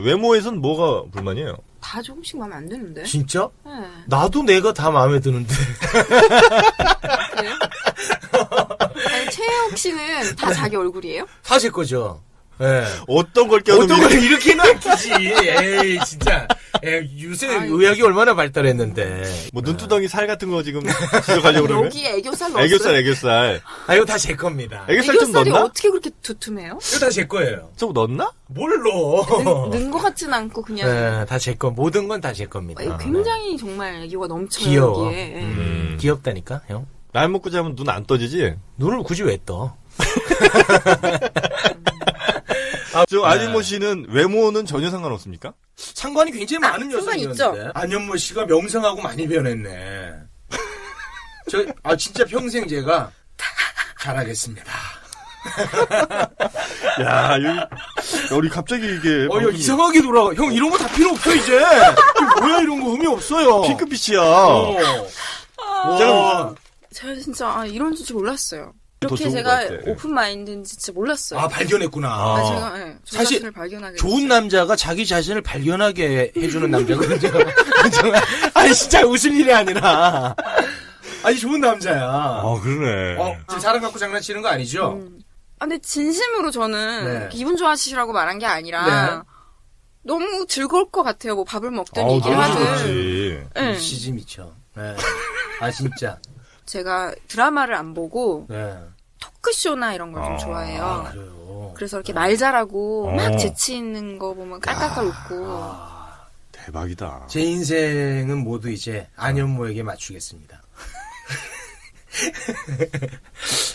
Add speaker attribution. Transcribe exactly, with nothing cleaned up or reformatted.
Speaker 1: 외모에선 뭐가 불만이에요?
Speaker 2: 다 조금씩 마음에 안 드는데.
Speaker 3: 진짜?
Speaker 2: 네.
Speaker 3: 나도 내가 다 마음에 드는데.
Speaker 2: 그래요? 아니, 최혜옥 씨는 다 자기 얼굴이에요?
Speaker 3: 사실 거죠. 예.
Speaker 1: 어떤 걸 껴도
Speaker 3: 어떤 걸 이렇게는 안 끼지. 에이, 진짜. 에이, 요새
Speaker 2: 아유.
Speaker 3: 의학이 얼마나 발달했는데.
Speaker 1: 뭐 눈두덩이 살 같은 거 지금 지적하려고 그러면?
Speaker 2: 여기 애교살 넣었어요?
Speaker 1: 애교살, 애교살.
Speaker 3: 아, 이거 다 제 겁니다.
Speaker 1: 애교살 좀
Speaker 2: 애교살이
Speaker 1: 넣었나?
Speaker 2: 어떻게 그렇게 두툼해요?
Speaker 3: 이거 다 제 거예요.
Speaker 1: 좀 넣었나?
Speaker 3: 뭘 넣어.
Speaker 2: 는 것 같진 않고 그냥
Speaker 3: 네, 다 제 거. 모든 건 다 제 겁니다.
Speaker 2: 어, 굉장히 정말 애교가 넘쳐요.
Speaker 3: 귀여워.
Speaker 2: 여기에. 예.
Speaker 1: 음.
Speaker 3: 귀엽다니까, 형.
Speaker 1: 날 먹고 자면 눈 안 떠지지?
Speaker 3: 눈을 굳이 왜 떠?
Speaker 1: 아, 저 안현모 씨는 외모는 전혀 상관없습니까?
Speaker 3: 상관이 굉장히
Speaker 2: 아,
Speaker 3: 많은
Speaker 2: 상관
Speaker 3: 여성이었는데.
Speaker 2: 있죠.
Speaker 3: 안현모 씨가 명성하고 많이 변했네. 저, 아, 진짜 평생 제가 잘하겠습니다.
Speaker 1: 야, 여기, 우리 갑자기 이게.
Speaker 3: 어, 야, 이상하게 돌아가. 형, 이런 거 다 필요 없어, 이제. 이거 뭐야, 이런 거 의미 없어요.
Speaker 1: 핑크빛이야.
Speaker 3: 어.
Speaker 1: 제가
Speaker 3: 와.
Speaker 2: 제가 진짜 아, 이런 줄 몰랐어요.
Speaker 1: 더
Speaker 2: 이렇게
Speaker 1: 좋은
Speaker 2: 제가
Speaker 1: 것 같아.
Speaker 2: 오픈 마인드인지 진짜 몰랐어요.
Speaker 3: 아, 발견했구나.
Speaker 2: 아, 제가 예, 저
Speaker 3: 사실
Speaker 2: 자신을 발견하게
Speaker 3: 좋은
Speaker 2: 됐어요.
Speaker 3: 남자가 자기 자신을 발견하게 해주는 남자거든요. 정말. 아니, 진짜 웃을 일이 아니라. 아니, 좋은 남자야.
Speaker 1: 아, 그러네.
Speaker 3: 어, 지금 사람 갖고 장난치는 거 아니죠?
Speaker 2: 음. 아, 근데 진심으로 저는
Speaker 3: 네.
Speaker 2: 기분 좋아지시라고 말한 게 아니라
Speaker 3: 네.
Speaker 2: 너무 즐거울 것 같아요. 뭐 밥을 먹든
Speaker 1: 아우,
Speaker 2: 얘기를
Speaker 1: 너무
Speaker 2: 하든.
Speaker 1: 좋지.
Speaker 2: 예.
Speaker 3: 미치지 미쳐. 네. 아, 진짜.
Speaker 2: 제가 드라마를 안 보고
Speaker 3: 네.
Speaker 2: 토크쇼나 이런 걸 좀
Speaker 1: 아,
Speaker 2: 좋아해요.
Speaker 3: 아, 그래요.
Speaker 2: 그래서 이렇게 말 잘하고
Speaker 1: 어.
Speaker 2: 막 재치 있는 거 보면 깔깔깔 웃고.
Speaker 3: 아,
Speaker 1: 대박이다.
Speaker 3: 제 인생은 모두 이제 안현모에게 맞추겠습니다.